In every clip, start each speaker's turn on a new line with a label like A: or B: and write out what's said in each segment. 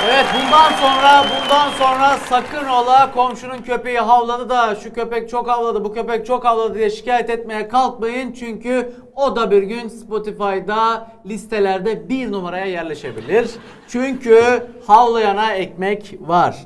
A: Evet, bundan sonra sakın ola komşunun köpeği havladı da şu köpek çok havladı, bu köpek çok havladı diye şikayet etmeye kalkmayın. Çünkü o da bir gün Spotify'da listelerde 1 numaraya yerleşebilir. Çünkü havlayana ekmek var.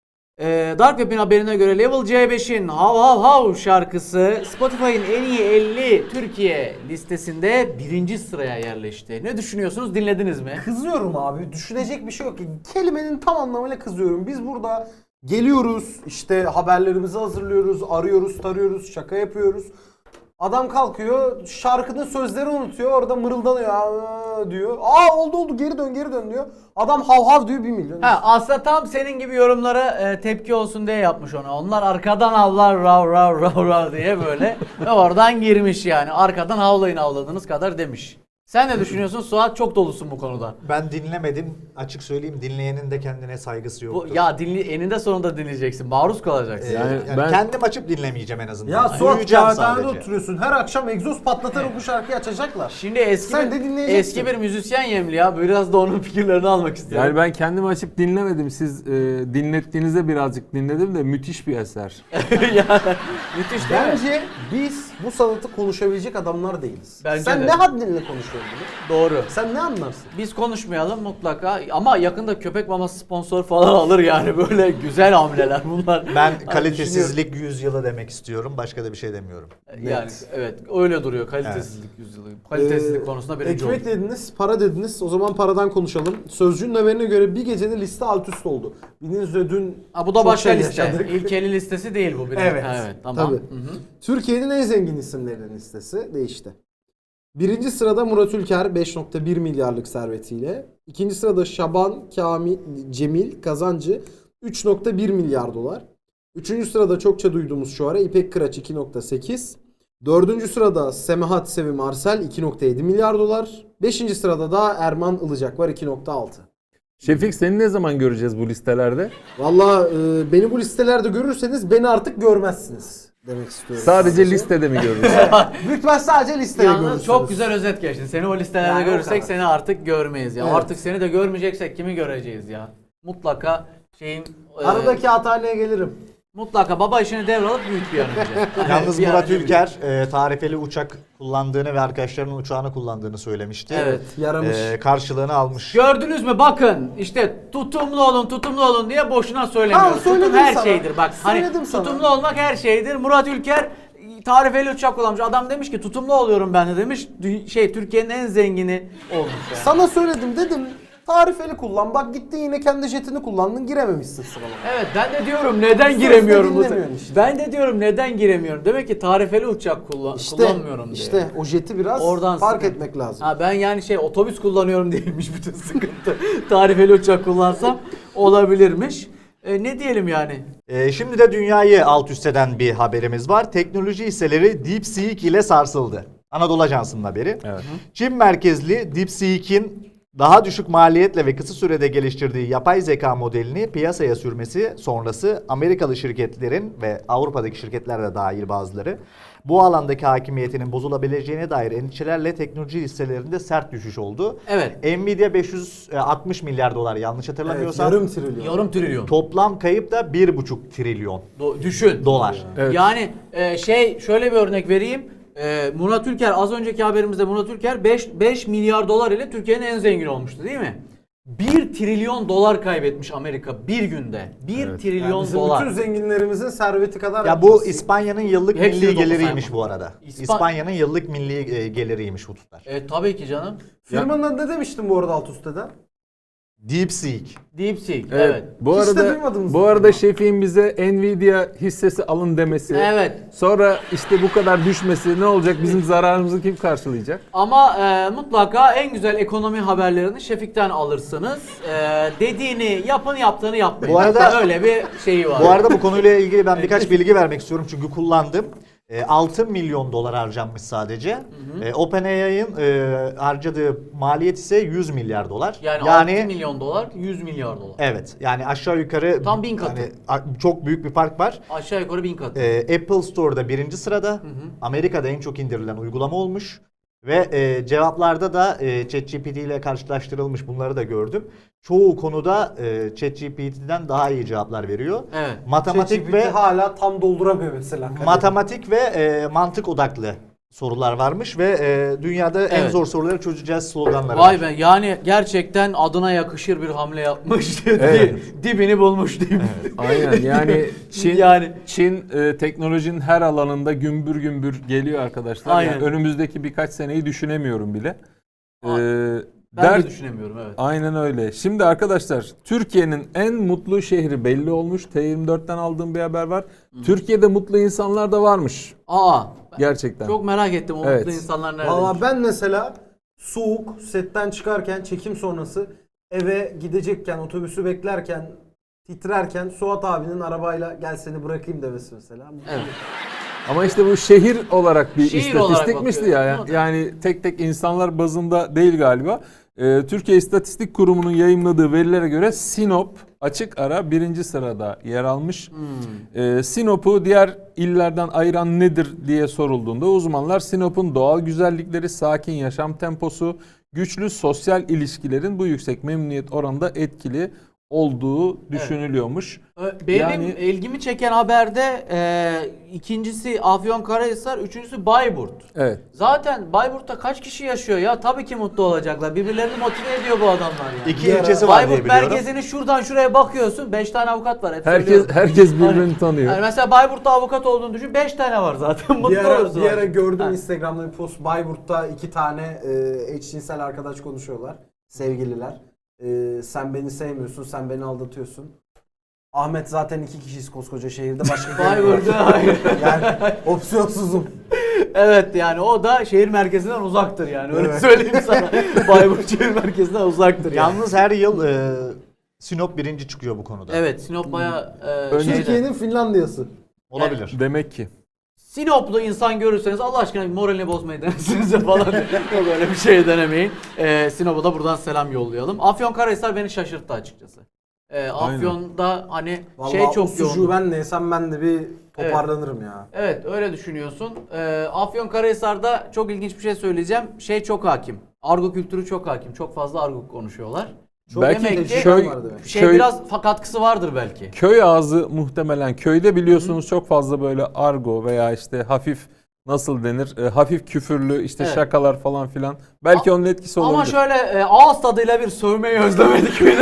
A: Dark Web'in haberine göre Level C5'in Hav Hav Hav şarkısı Spotify'ın en iyi 50 Türkiye listesinde 1. sıraya yerleşti. Ne düşünüyorsunuz? Dinlediniz mi?
B: Kızıyorum abi. Düşünecek bir şey yok. Kelimenin tam anlamıyla kızıyorum. Biz burada geliyoruz, işte haberlerimizi hazırlıyoruz, arıyoruz, tarıyoruz, şaka yapıyoruz. Adam kalkıyor, şarkının sözlerini unutuyor, orada mırıldanıyor, "Aa" diyor. Aa oldu geri dön diyor. Adam hav hav diyor 1 milyon.
A: Aslında tam senin gibi yorumlara tepki olsun diye yapmış onu. Onlar arkadan havlar rav rav rav rav diye böyle ve oradan girmiş yani. Arkadan havlayın havladığınız kadar demiş. Sen ne düşünüyorsun? Suat, çok dolusun bu konuda.
C: Ben dinlemedim. Açık söyleyeyim, dinleyenin de kendine saygısı yoktur.
A: Eninde sonunda dinleyeceksin. Maruz kalacaksın.
C: Yani
D: ben-
C: kendim açıp dinlemeyeceğim en azından.
B: Ya Suat
C: Duyacağım
B: kağıthanede
C: sadece.
B: oturuyorsun, her akşam egzoz patlatarak bu şarkıyı açacaklar.
A: Şimdi
B: Sen de dinleyeceksin.
A: eski bir müzisyen Yemli ya. Biraz da onun fikirlerini almak istiyorum.
D: Yani ben kendimi açıp dinlemedim. Siz dinlettiğinizde birazcık dinledim de müthiş bir eser.
A: Yani, müthiş değil mi?
B: Bence biz bu sanatı konuşabilecek adamlar değiliz.
A: Bence
B: Sen
A: de.
B: ne haddinle konuşuyorsun bunu?
A: Doğru.
B: Sen ne anlarsın?
A: Biz konuşmayalım mutlaka ama yakında köpek maması sponsor falan alır yani, böyle güzel hamleler bunlar.
C: Ben
A: düşünüyorum.
C: kalitesizlik yüzyılı demek istiyorum. Başka da bir şey demiyorum.
A: Yani evet, öyle duruyor kalitesizlik yüzyılı. Kalitesizlik konusunda birinci
B: Ekmek
A: oldu.
B: dediniz, para dediniz. O zaman paradan konuşalım. Sözcüğün haberine göre bir gecede liste alt üst oldu. Bildiğiniz üzere dün
A: Bu da
B: çok
A: başka
B: şey
A: liste.
B: yaşadık.
A: İlkeli listesi değil bu.
B: Evet.
A: Evet, tamam.
B: Tabii.
A: Hı hı.
B: Türkiye'nin en zengin isimlerinin listesi değişti. 1. sırada Murat Ülker 5.1 milyarlık servetiyle. 2. sırada Şaban Cemil Kazancı 3.1 milyar dolar. 3. sırada çokça duyduğumuz şu ara İpek Kıraç 2.8. 4. sırada Semahat Sevim Arsel 2.7 milyar dolar. 5. sırada da Erman Ilıcak var 2.6.
D: Şefik, seni ne zaman göreceğiz bu listelerde?
B: Valla beni bu listelerde görürseniz beni artık görmezsiniz demek istiyorum.
D: Sadece listede mi görürüz?
B: Büyük ihtimal sadece listede
A: Yalnız
B: görürsünüz.
A: çok güzel özet geçtin. Seni o listelerde
B: Yani o
A: görürsek
B: kadar.
A: seni artık görmeyiz ya.
B: Evet.
A: Artık seni de görmeyeceksek kimi göreceğiz ya? Mutlaka
B: Aradaki hataneye gelirim.
A: mutlaka baba işini devralıp büyüt bir an önce.
C: Yalnız
A: Bir an
C: Murat
A: önce
C: Ülker tarifeli uçak kullandığını ve arkadaşlarının uçağını kullandığını söylemişti.
A: Evet.
B: Yaramış.
C: Karşılığını almış.
A: Gördünüz mü, bakın işte tutumlu olun diye boşuna söylemiyoruz. Tutum
B: söyledim
A: her
B: sana.
A: şeydir bak. Hani
B: Söyledim sana.
A: tutumlu olmak her şeydir. Murat Ülker tarifeli uçak kullanmış. Adam demiş ki tutumlu oluyorum ben de demiş. Türkiye'nin en zengini olmuş yani.
B: Sana söyledim dedim. Tarifeli kullan. Bak gittin yine kendi jetini kullandın, girememişsin sıralamaya.
A: Evet, ben de diyorum neden
B: Sözde
A: giremiyorum bu
B: dinlemiyorsun işte.
A: Ben de diyorum neden giremiyorum. Demek ki tarifeli uçak kullanmıyorum diye.
B: İşte o jeti biraz
A: Oradan
B: fark
A: sıkıntı.
B: etmek lazım.
A: Ha, ben yani otobüs kullanıyorum değilmiş bütün sıkıntı. Tarifeli uçak kullansam olabilirmiş. Ne diyelim yani?
C: Şimdi de dünyayı alt üst eden bir haberimiz var. Teknoloji hisseleri DeepSeek ile sarsıldı. Anadolu Ajansı'nın haberi.
D: Evet.
C: Çin merkezli DeepSeek'in daha düşük maliyetle ve kısa sürede geliştirdiği yapay zeka modelini piyasaya sürmesi sonrası Amerikalı şirketlerin ve Avrupa'daki şirketler de dahil bazıları bu alandaki hakimiyetinin bozulabileceğine dair endişelerle teknoloji hisselerinde sert düşüş oldu.
A: Evet.
C: Nvidia 560 milyar dolar yanlış
B: Evet,
C: hatırlamıyorsam.
B: yarım trilyon.
A: Yarım trilyon.
C: Toplam kayıp da 1,5 trilyon
A: Düşün.
C: dolar.
D: Evet.
A: Yani şöyle bir örnek vereyim. Murat Ülker, az önceki haberimizde Murat Ülker 5 milyar dolar ile Türkiye'nin en zengin olmuştu değil mi? 1 trilyon dolar kaybetmiş Amerika bir günde. 1
D: Evet.
A: trilyon
B: Yani bizim
A: dolar.
B: bütün zenginlerimizin serveti kadar.
C: Ya bu İspanya'nın yıllık
A: Hepsini
C: milli
A: toplasaydım.
C: geliriymiş bu arada. İspanya'nın yıllık milli geliriymiş bu tutar.
A: Tabii ki canım.
B: Firmanın adı ne demiştim bu arada alt üstte de?
C: DeepSeek.
A: DeepSeek.
D: Evet.
A: Evet.
D: Bu
B: Hiç de
D: arada
B: duymadınız
D: bu
B: mı?
D: arada Şefik'in bize Nvidia hissesi alın demesi.
A: Evet.
D: Sonra işte bu kadar düşmesi ne olacak? Bizim zararımızı kim karşılayacak?
A: Ama mutlaka en güzel ekonomi haberlerini Şefik'ten alırsınız. Dediğini yapın, yaptığını yapmayın.
C: Bu arada-
A: öyle bir şeyi var.
C: Bu arada bu konuyla ilgili ben birkaç bilgi vermek istiyorum çünkü kullandım. 6 milyon dolar harcanmış sadece. OpenAI'ın harcadığı maliyet ise 100 milyar dolar.
A: yani 6 milyon dolar, 100 milyar dolar.
C: Evet, yani aşağı yukarı
A: Tam 1000 katı.
C: çok büyük bir fark var.
A: Aşağı yukarı 1000 katı.
C: Apple Store'da 1. sırada. Amerika'da en çok indirilen uygulama olmuş. Ve cevaplarda da ChatGPT ile karşılaştırılmış, bunları da gördüm. Çoğu konuda ChatGPT'den daha iyi cevaplar veriyor.
A: Evet.
C: Matematik
B: ChatGPT
C: ve
B: hala tam dolduramıyor mesela.
C: matematik ve mantık odaklı sorular varmış ve dünyada en
A: Evet.
C: zor soruları çözeceğiz sloganları
A: Vay
C: var.
A: be, yani gerçekten adına yakışır bir hamle yapmış.
D: Evet.
A: Dibini bulmuş diyeyim.
D: Aynen yani Çin
A: Yani.
D: Çin teknolojinin her alanında gümbür gümbür geliyor arkadaşlar.
A: Aynen.
D: Yani önümüzdeki birkaç seneyi düşünemiyorum bile.
A: Ben de düşünemiyorum, evet.
D: Aynen öyle. Şimdi arkadaşlar, Türkiye'nin en mutlu şehri belli olmuş. T24'ten aldığım bir haber var. Türkiye'de mutlu insanlar da varmış.
A: Aa,
D: Gerçekten.
A: çok merak ettim o
D: Evet.
A: mutlu insanlar nerede?
B: Valla ben mesela soğuk setten çıkarken, çekim sonrası eve gidecekken, otobüsü beklerken, titrerken Suat abinin arabayla gel seni bırakayım demesi mesela.
A: Evet.
D: Ama işte bu şehir olarak bir
A: Şehir olarak
D: istatistikmişti
A: bakıyor.
D: ya.
A: Evet.
D: Yani tek tek insanlar bazında değil galiba. Türkiye İstatistik Kurumu'nun yayımladığı verilere göre Sinop açık ara 1. sırada yer almış. Sinop'u diğer illerden ayıran nedir diye sorulduğunda uzmanlar Sinop'un doğal güzellikleri, sakin yaşam temposu, güçlü sosyal ilişkilerin bu yüksek memnuniyet oranında etkili olduğu düşünülüyormuş.
A: Benim
D: Yani-
A: ilgimi çeken haberde ikincisi Afyonkarahisar, üçüncüsü Bayburt.
D: Evet.
A: Zaten Bayburt'ta kaç kişi yaşıyor ya? Tabii ki mutlu olacaklar. Birbirlerini motive ediyor bu adamlar yani.
C: 2 ilçesi var diye
A: Bayburt
C: biliyorum.
A: merkezini şuradan şuraya bakıyorsun. 5 tane avukat var. Hep
D: Herkes
A: söylüyorum.
D: herkes birbirini tanıyor.
A: Yani mesela Bayburt'ta avukat olduğunu düşün. 5 tane var zaten. Mutlu
B: Bir ara,
A: olursun.
B: bir ara gördüm
A: Ha.
B: Instagram'da bir post. Bayburt'ta 2 tane eşcinsel arkadaş konuşuyorlar. Sevgililer. Sen beni sevmiyorsun, sen beni aldatıyorsun. Ahmet zaten 2 kişiyiz koskoca şehirde. Başka
A: Bayburt'ta hayır.
B: Yani opsiyonsuzum.
A: Evet, yani o da şehir merkezinden uzaktır yani. Öyle
B: Evet.
A: söyleyeyim sana. Bayburt şehir merkezinden uzaktır yani.
C: Yalnız her yıl Sinop birinci çıkıyor bu konuda.
A: Evet, Sinop bayağı
D: Önce-
B: Türkiye'nin Finlandiya'sı.
C: Olabilir.
D: Demek ki.
A: Sinoplu insan görürseniz Allah aşkına moralini bozmayı denesiniz falan. Yok, öyle bir şey denemeyin. Sinop'a da buradan selam yollayalım. Afyonkarahisar beni şaşırttı açıkçası. Afyon'da hani
B: Vallahi
A: şey
B: o
A: çok
B: sucuğu
A: yoğun.
B: ben de yesem ben de bir toparlanırım ya.
A: Evet, öyle düşünüyorsun. Afyonkarahisar'da çok ilginç bir şey söyleyeceğim. Şey çok hakim. Argo kültürü çok hakim. Çok fazla argo konuşuyorlar.
B: Çok
D: Belki
A: demek ki
B: köy var demek.
A: şey
D: köy-
A: biraz katkısı vardır belki.
D: Köy ağzı muhtemelen. Köyde biliyorsunuz çok fazla böyle argo veya işte hafif nasıl denir? Hafif küfürlü işte
A: Evet.
D: şakalar falan filan. Belki onun etkisi olabilir.
A: Ama şöyle ağız tadıyla bir sövmeyi özlemedik mi?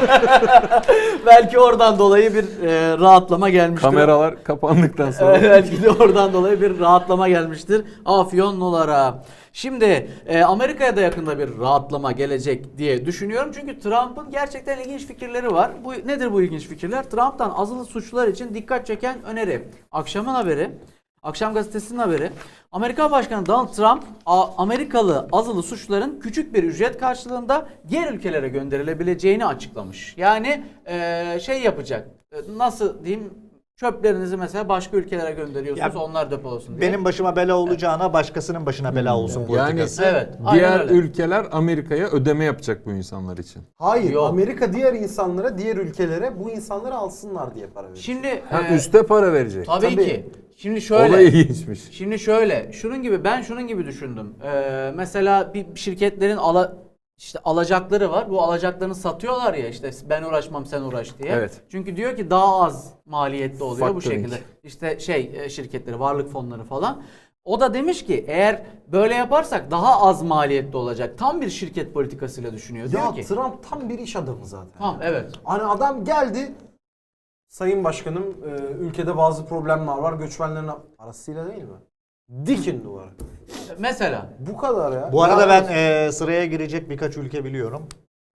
A: Belki oradan dolayı bir rahatlama gelmiştir.
D: Kameralar kapandıktan sonra.
A: Evet, belki de oradan dolayı bir rahatlama gelmiştir Afyonlulara. Şimdi Amerika'ya da yakında bir rahatlama gelecek diye düşünüyorum. Çünkü Trump'ın gerçekten ilginç fikirleri var. Nedir bu ilginç fikirler? Trump'tan azılı suçlular için dikkat çeken öneri. Akşamın haberi. Akşam gazetesinin haberi. Amerikan Başkanı Donald Trump, Amerikalı azılı suçluların küçük bir ücret karşılığında diğer ülkelere gönderilebileceğini açıklamış. Yani şey yapacak. Nasıl diyeyim? Çöplerinizi mesela başka ülkelere gönderiyorsunuz,
C: Ya,
A: onlar depolasın diye.
C: Benim başıma bela olacağına başkasının başına bela olsun
D: Yani
C: politikası.
A: Evet. aynen
D: Diğer
A: öyle.
D: ülkeler Amerika'ya ödeme yapacak bu insanlar için.
B: Hayır,
A: Yok.
B: Amerika diğer insanlara, diğer ülkelere bu insanları alsınlar diye para veriyor.
A: Şimdi
D: Ha, üste para verecek.
A: tabii
B: tabii.
A: ki. Şimdi
D: O da
A: şöyle.
D: ilginçmiş.
A: Şimdi şöyle. Şunun gibi düşündüm. Mesela bir şirketlerin işte alacakları var. Bu alacaklarını satıyorlar ya, işte ben uğraşmam sen uğraş diye.
D: Evet.
A: Çünkü diyor ki daha az maliyetli oluyor bu
D: Factoring.
A: şekilde. İşte şirketleri, varlık fonları falan. O da demiş ki eğer böyle yaparsak daha az maliyetli olacak. Tam bir şirket politikasıyla düşünüyor.
B: Ya
A: Diyor ki
B: Trump tam bir iş adamı zaten.
A: tamam, evet.
B: Hani adam geldi, Sayın Başkanım ülkede bazı problemler var, göçmenlerin parasıyla değil mi? Dikin duvarı.
A: Mesela
B: Bu kadar ya.
C: Bu arada
B: Ya-
C: ben sıraya girecek birkaç ülke biliyorum.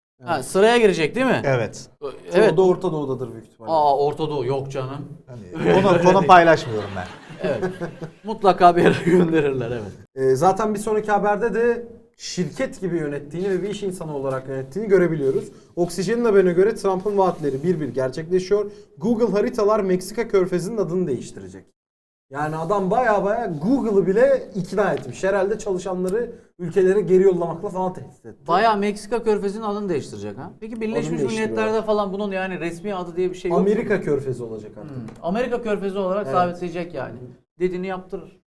A: sıraya girecek değil mi?
C: Evet.
A: Evet.
B: O da Orta Doğu'dadır büyük ihtimalle.
A: Orta Doğu yok canım.
C: Hani konu paylaşmıyorum ben.
A: Evet. Mutlaka bir yere gönderirler, evet.
B: Zaten bir sonraki haberde de şirket gibi yönettiğini ve bir iş insanı olarak yönettiğini görebiliyoruz. Oksijen'in haberine göre Trump'ın vaatleri bir bir gerçekleşiyor. Google haritalar Meksika körfezinin adını değiştirecek. Yani adam baya Google'ı bile ikna etmiş. Herhalde çalışanları ülkelere geri yollamakla falan tehdit etti.
A: Bayağı Meksika körfezinin adını değiştirecek ha. Peki Birleşmiş
B: değiştiriyor.
A: Milletler'de falan bunun yani resmi adı diye bir şey yok mu?
B: Amerika körfezi olacak artık.
A: Amerika körfezi olarak
B: Evet.
A: sabitleyecek yani. Dediğini yaptırır.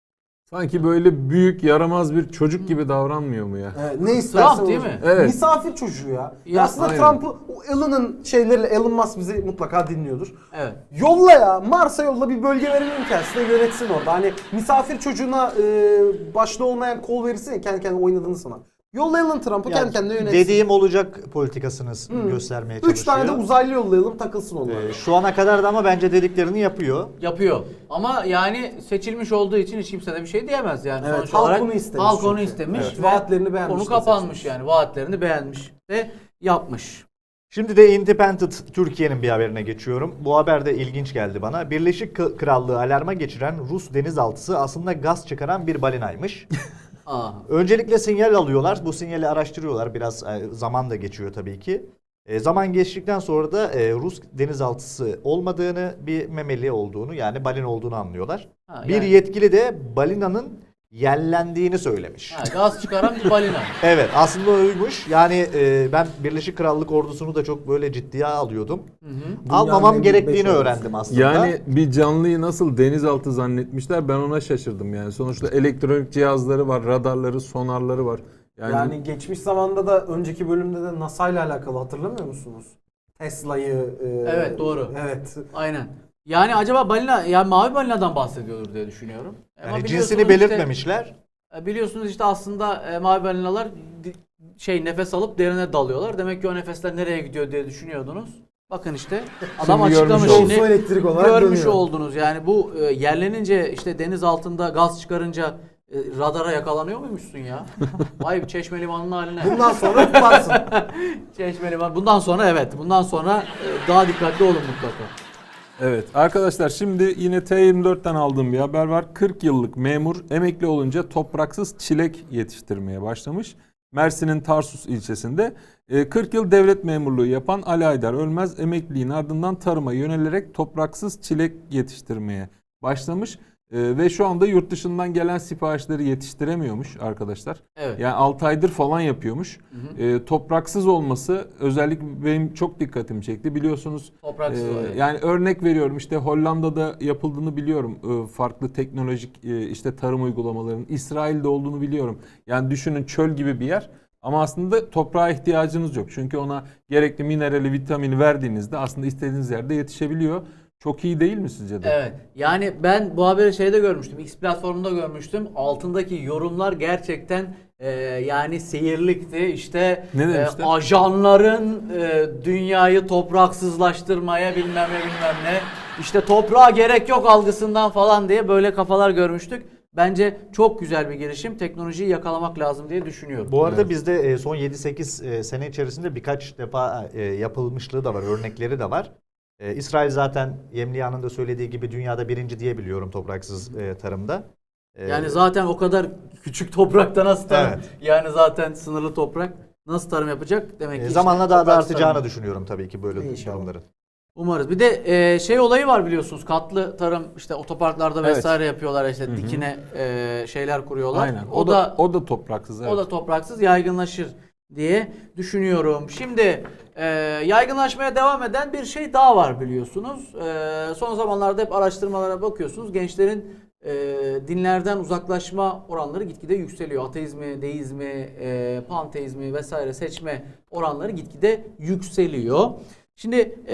D: Sanki böyle büyük yaramaz bir çocuk gibi davranmıyor mu ya?
B: Ne istersen
A: Trump değil
B: olur.
A: mi?
D: Evet.
B: Misafir çocuğu ya.
A: Ya,
B: Aslında
D: aynen.
B: Trump'ı o Elon'un şeyleriyle, Elon Musk bizi mutlaka dinliyordur.
A: Evet.
B: Yolla ya, Mars'a yolla, bir bölge verelim kendisi de yönetsin orada. Hani misafir çocuğuna başta olmayan kol verirsin ya, kendi kendine oynadığını sana. Yollayalım Trump'ı, kendi kendine yönetsin.
C: Dediğim olacak politikasını göstermeye çalışıyor.
B: 3 tane de uzaylı yollayalım, takılsın onlar.
C: Şu ana kadar da ama bence dediklerini yapıyor.
A: Yapıyor. Ama yani seçilmiş olduğu için hiç kimse de bir şey diyemez yani.
B: Evet,
A: Sonuç
B: halk
A: olarak
B: bunu istemiş
A: halk onu
B: çünkü.
A: istemiş.
B: Evet,
A: ve
B: vaatlerini beğenmiş
A: konu
B: de
A: kapanmış
B: seçmiş.
A: yani. Vaatlerini beğenmiş ve yapmış.
C: Şimdi de Independent Türkiye'nin bir haberine geçiyorum. Bu haber de ilginç geldi bana. Birleşik Krallığı alarma geçiren Rus denizaltısı aslında gaz çıkaran bir balinaymış.
A: Aa.
C: Öncelikle sinyal alıyorlar. Bu sinyali araştırıyorlar. Biraz zaman da geçiyor tabii ki. Zaman geçtikten sonra da Rus denizaltısı olmadığını, bir memeli olduğunu, yani balina olduğunu anlıyorlar.
A: Ha,
C: bir
A: yani-
C: yetkili de balinanın yellendiğini söylemiş.
A: Ha, gaz çıkaran bir balina.
C: Evet, aslında oymuş. Yani ben Birleşik Krallık ordusunu da çok böyle ciddiye alıyordum. Almamam
B: Dünyanın en büyük
C: gerektiğini
B: beş
C: öğrendim aslında.
D: Yani bir canlıyı nasıl denizaltı zannetmişler, ben ona şaşırdım yani. Sonuçta elektronik cihazları var, radarları, sonarları var.
B: Yani geçmiş zamanda da, önceki bölümde de NASA ile alakalı hatırlamıyor musunuz? Tesla'yı.
A: Evet, doğru.
B: Evet.
A: Aynen. Yani acaba balina, yani mavi balinadan bahsediyordur diye düşünüyorum. Ama
C: Yani
A: biliyorsunuz
C: cinsini belirtmemişler.
A: Biliyorsunuz işte aslında mavi balinalar nefes alıp derine dalıyorlar. Demek ki o nefesler nereye gidiyor diye düşünüyordunuz. Bakın işte adam
D: Şimdi
A: açıklamış.
D: görmüş
A: Şimdi
B: olduk. Elektrik olarak
A: görmüş
B: dönüyor.
A: oldunuz. Yani bu yerlenince işte deniz altında gaz çıkarınca radara yakalanıyor muymuşsun ya? Vay, Çeşme Limanı'nın haline.
B: Bundan sonra yaparsın.
A: Çeşme Limanı. Bundan sonra evet. Bundan sonra daha dikkatli olun mutlaka.
D: Evet arkadaşlar, şimdi yine T24'ten aldığım bir haber var. 40 yıllık memur emekli olunca topraksız çilek yetiştirmeye başlamış. Mersin'in Tarsus ilçesinde 40 yıl devlet memurluğu yapan Ali Aydar Ölmez emekliliğin ardından tarıma yönelerek topraksız çilek yetiştirmeye başlamış. Ve şu anda yurt dışından gelen siparişleri yetiştiremiyormuş arkadaşlar.
A: Evet.
D: Yani 6 aydır falan yapıyormuş. Topraksız olması özellikle benim çok dikkatimi çekti. Biliyorsunuz
A: Topraksız, evet.
D: yani örnek veriyorum, işte Hollanda'da yapıldığını biliyorum. Farklı teknolojik işte tarım uygulamalarının İsrail'de olduğunu biliyorum. Yani düşünün, çöl gibi bir yer. Ama aslında toprağa ihtiyacınız yok. Çünkü ona gerekli minerali, vitamini verdiğinizde aslında istediğiniz yerde yetişebiliyor. Çok iyi değil mi sizce de?
A: Evet. Yani ben bu haberi şeyde görmüştüm. X platformunda görmüştüm. Altındaki yorumlar gerçekten yani seyirlikti. İşte
D: Ne demişler?
A: ajanların dünyayı topraksızlaştırmaya bilmem ne. İşte toprağa gerek yok algısından falan diye böyle kafalar görmüştük. Bence çok güzel bir girişim. Teknolojiyi yakalamak lazım diye düşünüyorum.
C: Bu arada bizde son 7-8 sene içerisinde birkaç defa yapılmışlığı da var, örnekleri de var. İsrail zaten Yemliyan'ın da söylediği gibi dünyada birinci diye biliyorum topraksız tarımda.
A: Yani zaten o kadar küçük toprakta nasıl tarım?
C: Evet.
A: Yani zaten sınırlı toprak nasıl tarım yapacak? Demek ki
C: zamanla
A: işte
C: daha da
A: topraksız
C: artacağını
A: tarım.
C: düşünüyorum tabii ki böyle
B: İnşallah.
C: durumların.
A: Umarız. Bir de şey olayı var biliyorsunuz. Katlı tarım, işte otoparklarda
D: Evet.
A: vesaire yapıyorlar, işte dikine şeyler kuruyorlar.
D: Aynen. O da topraksız. Evet.
A: o da topraksız yaygınlaşır diye düşünüyorum. Şimdi yaygınlaşmaya devam eden bir şey daha var biliyorsunuz. Son zamanlarda hep araştırmalara bakıyorsunuz. Gençlerin dinlerden uzaklaşma oranları gitgide yükseliyor. Ateizmi, deizmi, panteizmi vesaire seçme oranları gitgide yükseliyor. Şimdi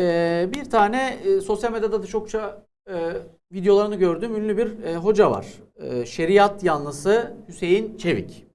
A: bir tane sosyal medyada da çokça videolarını gördüğüm ünlü bir hoca var. Şeriat yanlısı Hüseyin Çevik.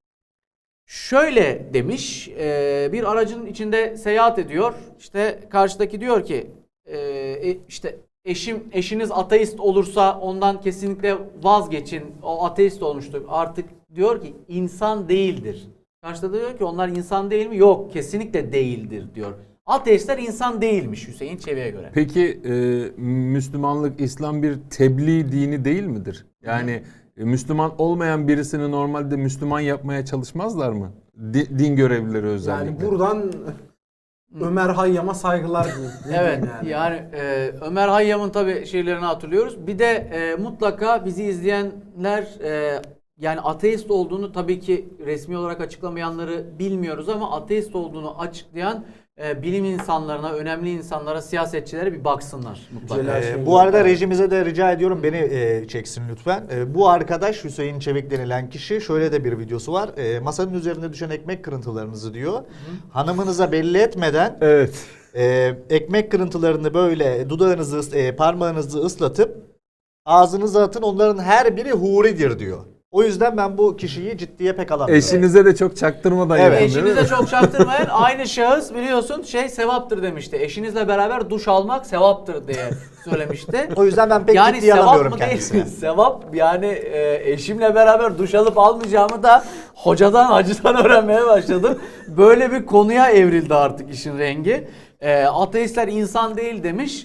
A: Şöyle demiş, bir aracın içinde seyahat ediyor. İşte karşıdaki diyor ki, işte eşiniz ateist olursa ondan kesinlikle vazgeçin. O ateist olmuştur. Artık diyor ki insan değildir. Karşıda diyor ki onlar insan değil mi? Yok, kesinlikle değildir diyor. Ateistler insan değilmiş Hüseyin Çevik'e göre.
D: Peki Müslümanlık, İslam bir tebliğ dini değil midir? Yani Müslüman olmayan birisini normalde Müslüman yapmaya çalışmazlar mı? Din görevlileri özellikle.
B: Yani buradan Ömer Hayyam'a saygılar diyeyim.
A: Evet, yani Ömer Hayyam'ın tabii şeylerini hatırlıyoruz. Bir de mutlaka bizi izleyenler yani ateist olduğunu, tabii ki resmi olarak açıklamayanları bilmiyoruz ama ateist olduğunu açıklayan bilim insanlarına, önemli insanlara, siyasetçilere bir baksınlar mutlaka.
B: Celal-
C: Bu arada rejimize de rica ediyorum beni çeksin lütfen. Bu arkadaş Hüseyin Çevik denilen kişi şöyle de bir videosu var. Masanın üzerinde düşen ekmek kırıntılarınızı diyor. Hanımınıza belli etmeden
D: Evet.
C: ekmek kırıntılarını böyle dudağınızı, parmağınızı ıslatıp ağzınıza atın. Onların her biri huridir diyor. O yüzden ben bu kişiyi ciddiye pek alamıyorum.
D: Eşinize de çok çaktırmadan
C: Evet.
D: yapın, değil mi?
A: Eşinize çok çaktırmayın. Aynı şahıs biliyorsun sevaptır demişti. Eşinizle beraber duş almak sevaptır diye söylemişti.
C: O yüzden ben pek
A: Yani
C: ciddiye
A: sevap
C: alamıyorum
A: mı değil
C: kendisini.
A: mi? Sevap yani eşimle beraber duş alıp almayacağımı da hocadan hacıdan öğrenmeye başladım. Böyle bir konuya evrildi artık işin rengi. Ateistler insan değil demiş.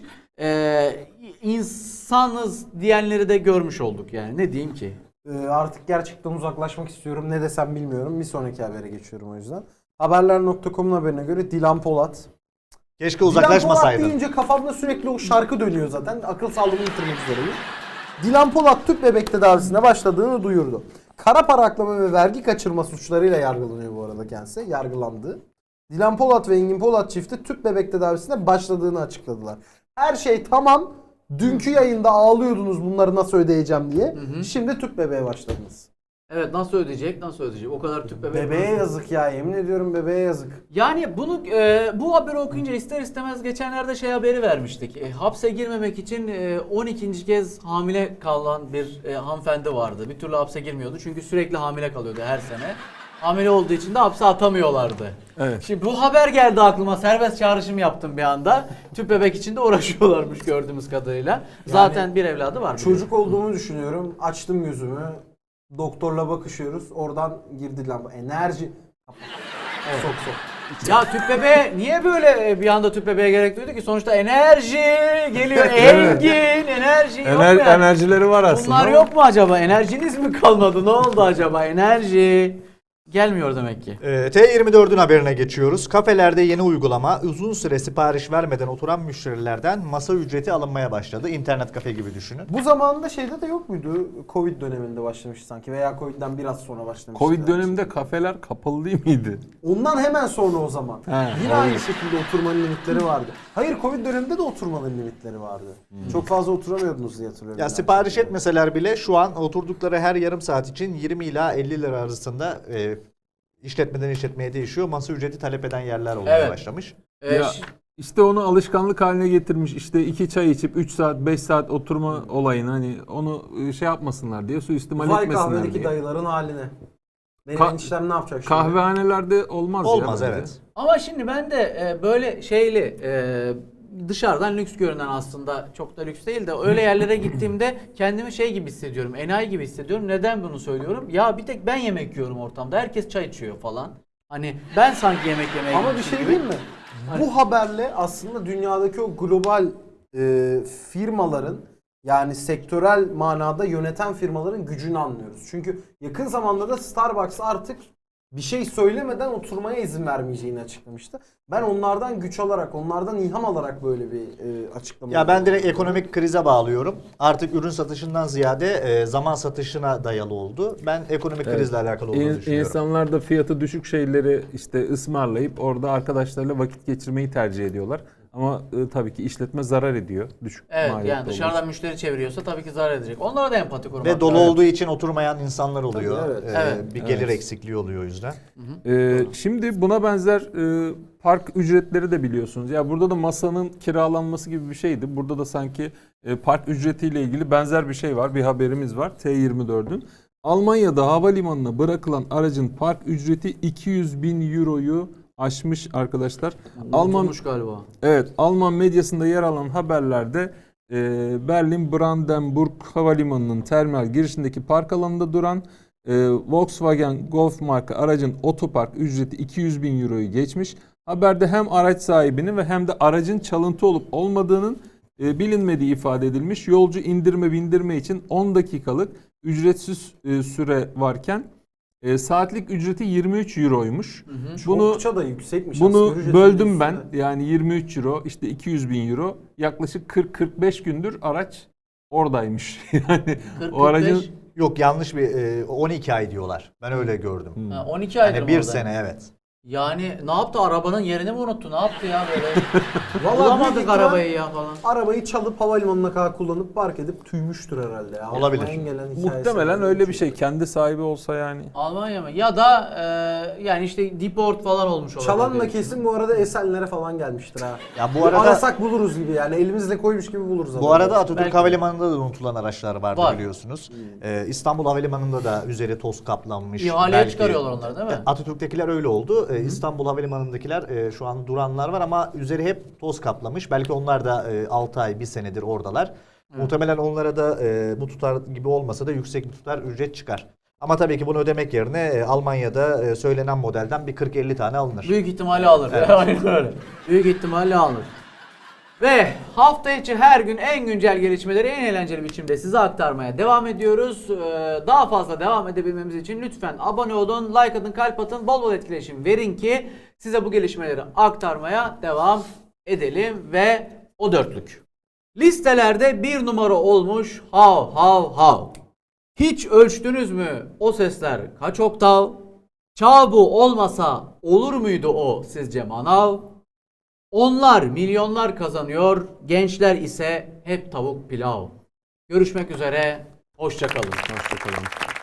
A: İnsanız diyenleri de görmüş olduk yani. Ne diyeyim ki?
B: Artık gerçekten uzaklaşmak istiyorum. Ne desem bilmiyorum. Bir sonraki habere geçiyorum o yüzden. Haberler.com'un haberine göre Dilan Polat.
C: Keşke
B: Dilan Polat
C: uzaklaşmasaydın.
B: deyince kafamda sürekli o şarkı dönüyor zaten. Akıl sağlığımı yitirmek üzereyim. Dilan Polat tüp bebek tedavisine başladığını duyurdu. Kara para aklama ve vergi kaçırma suçlarıyla yargılanıyor bu arada kendisi. Yargılandı. Dilan Polat ve Engin Polat çifti tüp bebek tedavisine başladığını açıkladılar. Her şey tamam. Dünkü yayında ağlıyordunuz bunları nasıl ödeyeceğim diye. Şimdi tüp bebeğe başladınız.
A: Evet, nasıl ödeyecek? Nasıl ödeyecek? O kadar tüp bebek.
B: Bebeğe yazık ya, yemin ediyorum bebeğe yazık.
A: Yani bunu bu haberi okuyunca ister istemez geçenlerde haberi vermiştik. Hapse girmemek için 12. kez hamile kalan bir hanımefendi vardı. Bir türlü hapse girmiyordu çünkü sürekli hamile kalıyordu her sene. Hamile olduğu için de hapse atamıyorlardı.
D: Evet.
A: Şimdi bu haber geldi aklıma. Serbest çağrışım yaptım bir anda. Tüp bebek için de uğraşıyorlarmış gördüğümüz kadarıyla. Zaten bir evladı var.
B: Çocuk olduğumu düşünüyorum. Açtım gözümü. Doktorla bakışıyoruz. Oradan girdi lamba. Enerji.
A: Evet.
B: Sok sok.
A: Ya tüp bebeğe niye böyle bir anda tüp bebeğe gerek duydu ki? Sonuçta enerji geliyor. Engin enerji yok mu yani?
D: Enerjileri var aslında.
A: Bunlar yok mu acaba? Enerjiniz mi kalmadı? Ne oldu acaba? Enerji gelmiyor demek ki.
C: T24'ün haberine geçiyoruz. Kafelerde yeni uygulama uzun süre sipariş vermeden oturan müşterilerden masa ücreti alınmaya başladı. İnternet kafe gibi düşünün.
B: Bu zamanında şeyde de yok muydu? Covid döneminde başlamış sanki veya Covid'den biraz sonra başlamış.
D: Covid döneminde kafeler kapalı değil miydi?
B: Ondan hemen sonra o zaman.
D: He,
B: Yine
D: doğru.
B: aynı şekilde oturmanın limitleri vardı. Hayır, Covid döneminde de oturmanın limitleri vardı. Çok fazla oturamıyordunuz diye hatırlıyorum.
C: Ya
B: ben.
C: sipariş etmeseler bile şu an oturdukları her yarım saat için 20 ila 50 lira arasında işletmeden işletmeye değişiyor. Masa ücreti talep eden yerler olmaya
A: Evet.
C: başlamış.
D: Ya,
A: Ş-
D: işte onu alışkanlık haline getirmiş. İşte 2 çay içip 3 saat 5 saat oturma olayını hani onu şey yapmasınlar diye, suistimal
B: Vay
D: etmesinler
B: kahvedeki
D: diye.
B: dayıların haline. Benim
D: Ka-
B: eniştem ne yapacak şimdi?
D: Kahvehanelerde olmaz,
C: Olmaz
D: ya bence.
C: evet.
A: Ama şimdi ben de böyle dışarıdan lüks görünen, aslında çok da lüks değil de öyle yerlere gittiğimde kendimi gibi hissediyorum. Enayi gibi hissediyorum. Neden bunu söylüyorum? Ya bir tek ben yemek yiyorum ortamda. Herkes çay içiyor falan. Hani ben sanki yemek yemeye
B: Ama bir
A: gitmişim
B: şey
A: gibi.
B: diyeyim mi? Bu haberle aslında dünyadaki o global firmaların, yani sektörel manada yöneten firmaların gücünü anlıyoruz. Çünkü yakın zamanda da Starbucks artık bir şey söylemeden oturmaya izin vermeyeceğini açıklamıştı. Ben onlardan güç alarak, onlardan ilham alarak böyle bir açıklama
C: Ya ben
B: yapıyorum.
C: direkt ekonomik krize bağlıyorum. Artık ürün satışından ziyade zaman satışına dayalı oldu. Ben ekonomik
D: Evet.
C: krizle alakalı olduğunu düşünüyorum.
D: İnsanlar da fiyatı düşük şeyleri işte ısmarlayıp orada arkadaşlarıyla vakit geçirmeyi tercih ediyorlar. Ama tabii ki işletme zarar ediyor. Düşük
A: Evet,
D: maliyetli
A: yani
D: olduğu
A: dışarıdan
D: için.
A: müşteri çeviriyorsa tabii ki zarar edecek. Onlara da empati kurmak
C: Ve dolu
A: lazım.
C: olduğu için oturmayan insanlar oluyor.
B: Tabii, evet.
A: Evet.
C: Bir gelir
D: Evet.
C: eksikliği oluyor o yüzden.
D: Şimdi buna benzer park ücretleri de biliyorsunuz. Ya burada da masanın kiralanması gibi bir şeydi. Burada da sanki park ücretiyle ilgili benzer bir şey var. Bir haberimiz var T24'ün. Almanya'da havalimanına bırakılan aracın park ücreti 200.000 euroyu aşmış arkadaşlar.
A: Unutulmuş galiba.
D: Evet, Alman medyasında yer alan haberlerde Berlin Brandenburg Havalimanı'nın terminal girişindeki park alanında duran Volkswagen Golf marka aracın otopark ücreti 200.000 euroyu geçmiş. Haberde hem araç sahibinin ve hem de aracın çalıntı olup olmadığının bilinmediği ifade edilmiş. Yolcu indirme bindirme için 10 dakikalık ücretsiz süre varken saatlik ücreti 23 euroymuş. Bunu
B: Oldukça da yüksekmiş. Asgari
D: bunu
B: ücretin
D: böldüm ben.
B: üstünde.
D: Yani 23 euro, işte 200.000 euro. Yaklaşık 40-45 gündür araç oradaymış. Yani o aracın
A: 40-45,
C: Yok yanlış bir 12 ay diyorlar. Ben öyle gördüm.
A: 12 aydır
C: Yani
A: mı
C: bir
A: orada?
C: sene evet.
A: Yani ne yaptı? Arabanın yerini mi unuttu? Ne yaptı ya böyle?
B: Vallahi
A: Bulamadık
B: büyük
A: arabayı ya falan.
B: Arabayı çalıp havalimanına kadar kullanıp park edip tüymüştür herhalde ya.
C: Olabilir.
B: Aklıma en gelen hikayesi.
D: Muhtemelen öyle bir şey. Kendi sahibi olsa yani.
A: Almanya mı? Ya da yani işte deport falan olmuş olabilir.
B: Çalan da
A: diye
B: kesin bu arada Esenler'e falan gelmiştir ha.
C: Ya bu arada
B: Arasak buluruz gibi yani elimizle koymuş gibi buluruz.
C: bu arada Atatürk
A: Belki.
C: Havalimanı'nda da unutulan araçlar vardı
A: Var.
C: biliyorsunuz. İstanbul Havalimanı'nda da üzeri toz kaplanmış.
A: İhaleye
C: belge.
A: çıkarıyorlar onları değil mi?
C: Atatürk'tekiler öyle oldu. İstanbul Havalimanı'ndakiler şu an duranlar var ama üzeri hep toz kaplamış. Belki onlar da 6 ay, 1 senedir oradalar. Muhtemelen onlara da bu tutar gibi olmasa da yüksek bir tutar ücret çıkar. Ama tabii ki bunu ödemek yerine Almanya'da söylenen modelden bir 40-50 tane alınır.
A: Büyük ihtimalle alır. Aynen öyle. Büyük ihtimalle alır. Ve hafta içi her gün en güncel gelişmeleri en eğlenceli biçimde size aktarmaya devam ediyoruz. Daha fazla devam edebilmemiz için lütfen abone olun, like atın, kalp atın, bol bol etkileşim verin ki size bu gelişmeleri aktarmaya devam edelim ve o dörtlük. Listelerde bir numara olmuş hav hav hav. Hiç ölçtünüz mü o sesler kaç oktav? Çağ bu olmasa olur muydu o sizce manav? Onlar milyonlar kazanıyor, gençler ise hep tavuk pilav. Görüşmek üzere, hoşça kalın.
D: Hoşçakalın.